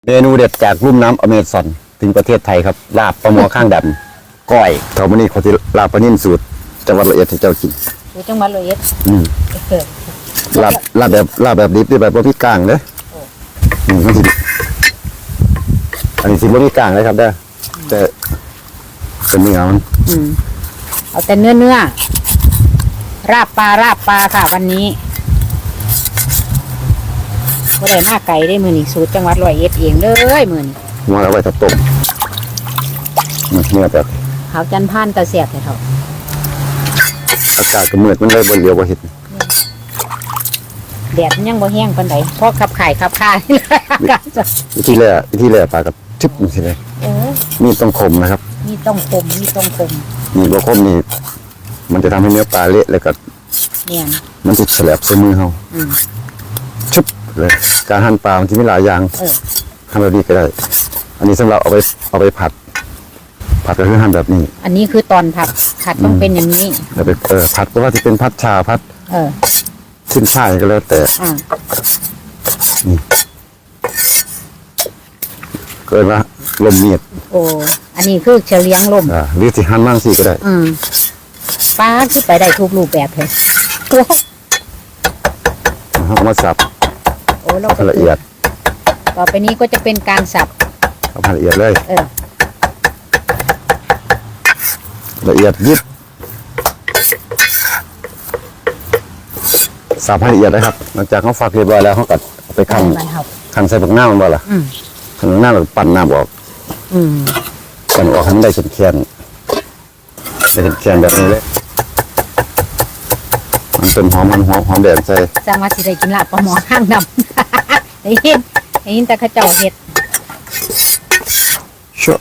เมนูเด็ดจากลุ่มน้ำอเมซอนถึงประเทศไทยครับลาบปลาหมอข้างดำก้อยเขาวันนี้เขาจะลาบปลานิ่มสูตรจังหวัดร้อยเอ็ดให้เจ้ากินอยู่จังหวัดร้อยเอ็ดลาบแบบดิบด้วยแบบบ่มีกลางเด้อมันสิอันนี้สิบ่มีกลางเลยครับเด้อแต่เป็นเนื้อมันเอาแต่เนื้อราบปลาค่ะวันนี้บ่ได้มาไก่ได้มือนี่สูตรจังหวัดร้อยเอ็ดเองเลยมือนี่มาเอาไว้ถ้าต้มเนื้อแบบขาวจันทร์พานตะเสียบเลยเถอะอากาศก็มืดมันเลยบ่เลียวบ่เห็นแดดมันยังบ่แห้งปานใดเพราะขับข่ายขับข่ายอากาศจะวิธีแรกปลากับชึบมันสิเลยมีต้องคมนะครับมีต้องคมมีบ่คมนี่มันจะทำให้เนื้อปลาเละแล้วก็เนี่ยมันติดแฉลบใส่มือเราชึบเลยการหั่นปลามันที่มีหลายอย่างทำแบบนี้ก็ได้อันนี้สำหรับเอาไปผัดก็คือหั่นแบบนี้อันนี้คือตอนผัดต้องเป็นอย่างนี้แล้วไปผัดก็ว่าที่เป็นผัดชาผัดขึ้นช่ายก็แล้วแต่นี่เกิดว่าลมเมียดโอ้อันนี้คือเฉลียงลมหรือที่หั่นมั่งสิก็ได้ปลาที่ไปได้ทุกรูปแบบเลยเอามาสับโอ้เราละเอียดต่อไปนี้ก็จะเป็นการสับเอาละเอียดเลยละเอียดยิบสับให้ละเอียดนะครับหลังจากเขาฝักเรียบร้อยแล้วเขาก็เอาไปคั่นใส่ผักหน้ามันบ่ล่ะผักหน้าเราปั่นน้ำออกปั่นออกให้มันได้แข็งแบบนี้เลยมันเป็นหอมแดงใส่จังว่าสิได้กินลาบปลาหมอข้างดำได้ยินแต่ข้าเจ้าเห็ดชั่ว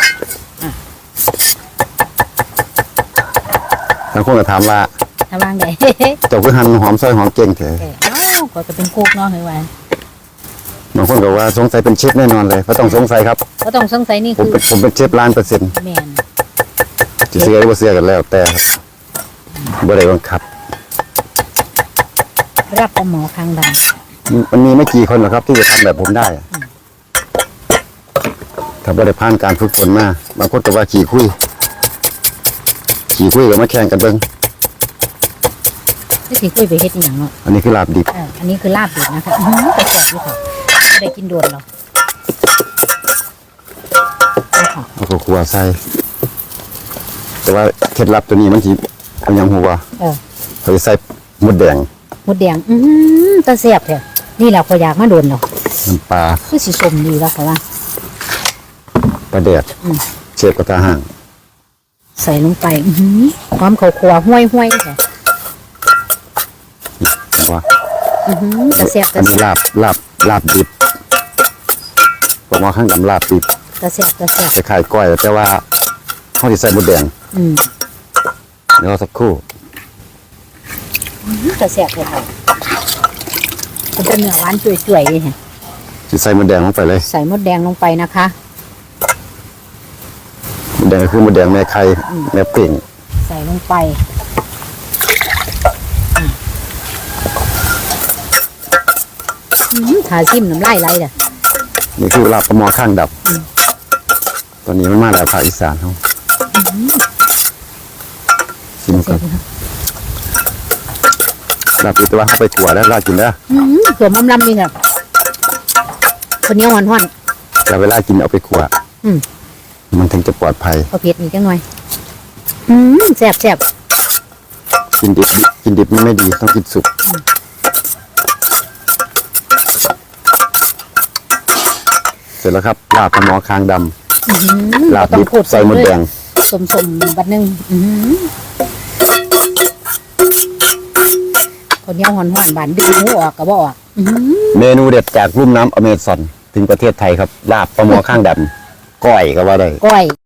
ทั้งคนก็ถามว่าไงเจ้าคือหั่นหอมซอยหอมเก่งเถอะก็จะเป็นคุกเนาะเฮ้ยวันบางคนก็ว่าสงสัยเป็นเชฟแน่นอนเลยก็ต้องสงสัยครับก็ต้องสงสัยนี่คือผมเป็นเชฟ1,000,000% แม่นจะเสียหรือว่าเสียกันแล้วแต่บ่ได้บังคับรับปลาหมอข้างดำมันมีไม่กี่คนหรอกครับที่จะทำแบบผมได้ถ้าบ่ได้ผ่านการฝึกฝนมาบางคนก็ว่าขี่คุยก็มาแข่งกันเบิ่งขี่คุยไปเฮ็ดอย่างเนาะอันนี้คือลาบดิบอันนี้คือลาบดิบนะคะแต่แซ่บอยู่ค่ะไม่ได้กินโดนหรอกเอาข้าวคั่วใส่แต่ว่าเคล็ดลับตัวนี้มันสิเอาหยังหัวเขาจะใส่มดแดงตะแซ่บแท้นี่แหละพออยากมาโดนเนาะน้ำปลาคือสิสมดีแล้วค่ะว่าปลาแดดเชฟกระทะห่างใส่ลงไปความข้าวคั่วห้วยค่ะว่าตะแซ่บอันนี้ลาบดิบผมว่าข้างดำลาบดิบตะแซ่บจะขายก้อยแต่ว่าเขาจะใส่มดแดงเดี๋ยวสักครู่ตะแซ่บเลยค่ะเป็นเนื้อหวานจุ่ยๆค่ะจะใส่มดแดงลงไปเลยใส่มดแดงลงไปนะคะมดแดงก็คือมดแดงแม่ไข่แม่ปิ่งใส่ลงไปถาซิมน้ำลายไหลเลยนี่คือลาบปลาหมอข้างดับตอนนี้มันมาแล้วภาคอีสานเขาชิมก่อนลาบตัวเข้าไปขวดแล้วลากินได้ขวดลำนี่เนี่ยคนนี้หวานแต่เวลากินเอาไปขวดมันถึงจะปลอดภัยเอาเผ็ดอีกจังหน่อยแซ่บกินดิบไม่ดีต้องกินสุกเสร็จแล้วครับลาบปลาหมอคางดำลาบดิบใส่มดแดงสมบัดนึงคนเดียวหอนบานดึงหูออกกระบอกเมนูเด็ดจากลุ่มน้ำอเมซอนถึงประเทศไทยครับลาบปลาหมอข้างดำก้อยก็ว่าได้ก้อย